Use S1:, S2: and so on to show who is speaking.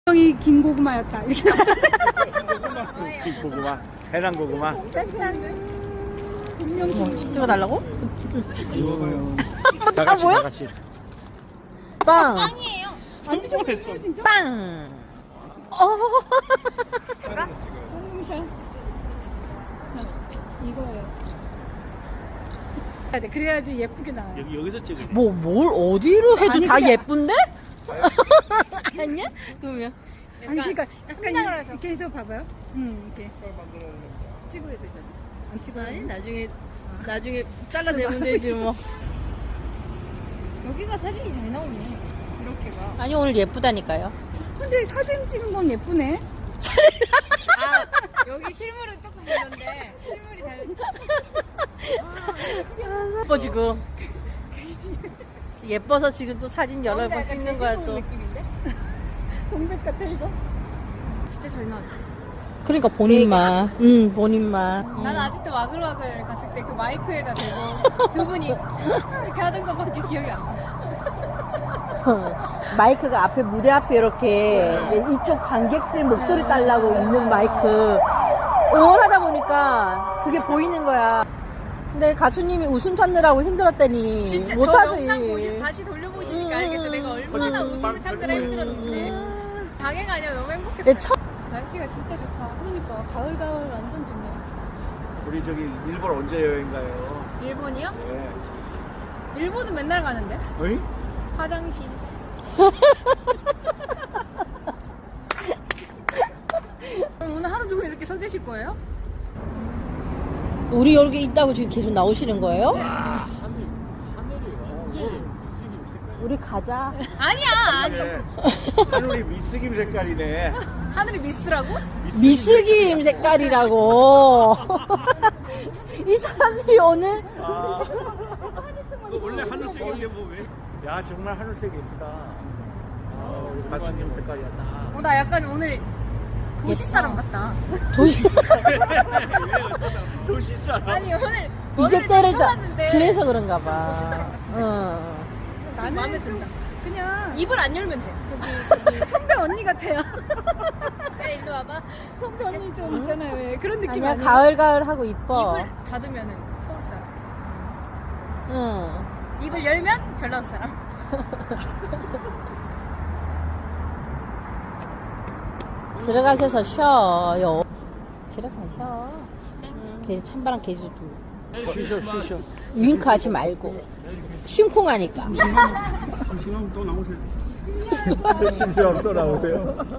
S1: 이 긴 고구마였다. 이렇게.
S2: 긴 고구마, 해남 고구마.
S3: 찍어달라고?
S2: 다
S3: 뭐야?
S2: 같이.
S3: 빵!
S1: 빵이에요. 안 드셔보셨어요 진짜?
S3: 빵!
S1: 샤. 자, 이거예요. 해야 돼. 그래야지 예쁘게 나와요.
S2: 여기서 찍으.
S3: 뭘 어디로 해도
S1: 아니,
S3: 다
S1: 그냥-
S3: 예쁜데? 아니야? 그러면.
S1: 아니 그러니까 잠깐 이렇게 해서 봐봐요. 이렇게 찍어야 되잖아. 안 찍어야
S3: 아니,
S1: 돼.
S3: 나중에 잘라내면 되지 뭐.
S1: 여기가 사진이 잘 나오네. 이렇게가.
S3: 아니, 오늘 예쁘다니까요.
S1: 근데 사진 찍은 건 예쁘네.
S4: 여기 실물은 조금 별론데 실물이 잘
S3: 예뻐, 지금. 예뻐서 지금 또 사진 여러 번 찍는 거야, 또.
S4: 느낌인데?
S1: 동백 같아 이거.
S4: 진짜 잘 나왔다.
S3: 그러니까 본인만. 응, 본인만.
S4: 난 아직도 와글와글 갔을 때 그 마이크에다 대고 두 분이 이렇게 하던 것밖에 기억이 안 나.
S3: 마이크가 앞에 무대 앞에 이렇게 이쪽 관객들 목소리 달라고 있는 마이크 응원하다 보니까 그게 보이는 거야. 근데 가수님이 웃음 찾느라고 힘들었더니
S4: 진짜 저
S3: 못하지.
S4: 영상 다시 돌려보시니까 알겠죠. 내가 얼마나 웃음을 참느라 힘들었는지. 방해가 아니라 너무 행복했어요.
S3: 내 첫
S4: 날씨가 진짜 좋다.
S1: 그러니까 가을 완전 좋네.
S2: 우리 저기 일본 언제 여행 가요?
S4: 일본이요?
S2: 네.
S4: 일본은 맨날 가는데.
S2: 어이?
S4: 화장실. 그럼 오늘 하루 종일 이렇게 서 계실 거예요?
S3: 우리 여기 있다고 지금 계속 나오시는 거예요? 우리 가자.
S4: 아니야, 아니.
S2: 네. 하늘이 미스김 색깔이네.
S4: 하늘이 미스라고?
S3: 미스김 색깔이라고. 이 사람들이 오늘
S2: 아. 그 원래 하늘색인데 뭐 왜? 야 정말 하늘색 예쁘다. 우리 가수님 색깔이야 딱.
S4: 나 약간 오늘 도시 사람 같다.
S3: 도시
S2: 도시 사람.
S4: 아니 오늘
S3: 이제 때를 다
S4: 왔는데
S3: 그래서 그런가 봐.
S4: 도시 사람 같은데.
S3: 응.
S4: 나는 마음에 든다.
S1: 그냥
S4: 입을 안 열면 돼.
S1: 저기 선배 언니 같아요.
S4: 그래 일로 와봐.
S1: 선배 언니 좀 있잖아요. 왜 그런 느낌
S3: 아니야,
S1: 아니에요?
S3: 가을 하고 이뻐.
S4: 입을 닫으면은 서울 사람.
S3: 응.
S4: 입을 열면 전라도 사람.
S3: 들어가셔서 쉬어요. 들어가셔. 계속 찬바람 계속 불고.
S2: 쉬셔.
S3: 윙크하지 말고. 심쿵하니까.
S2: 심심하면 또 나오세요. 심심하면 또 나오세요.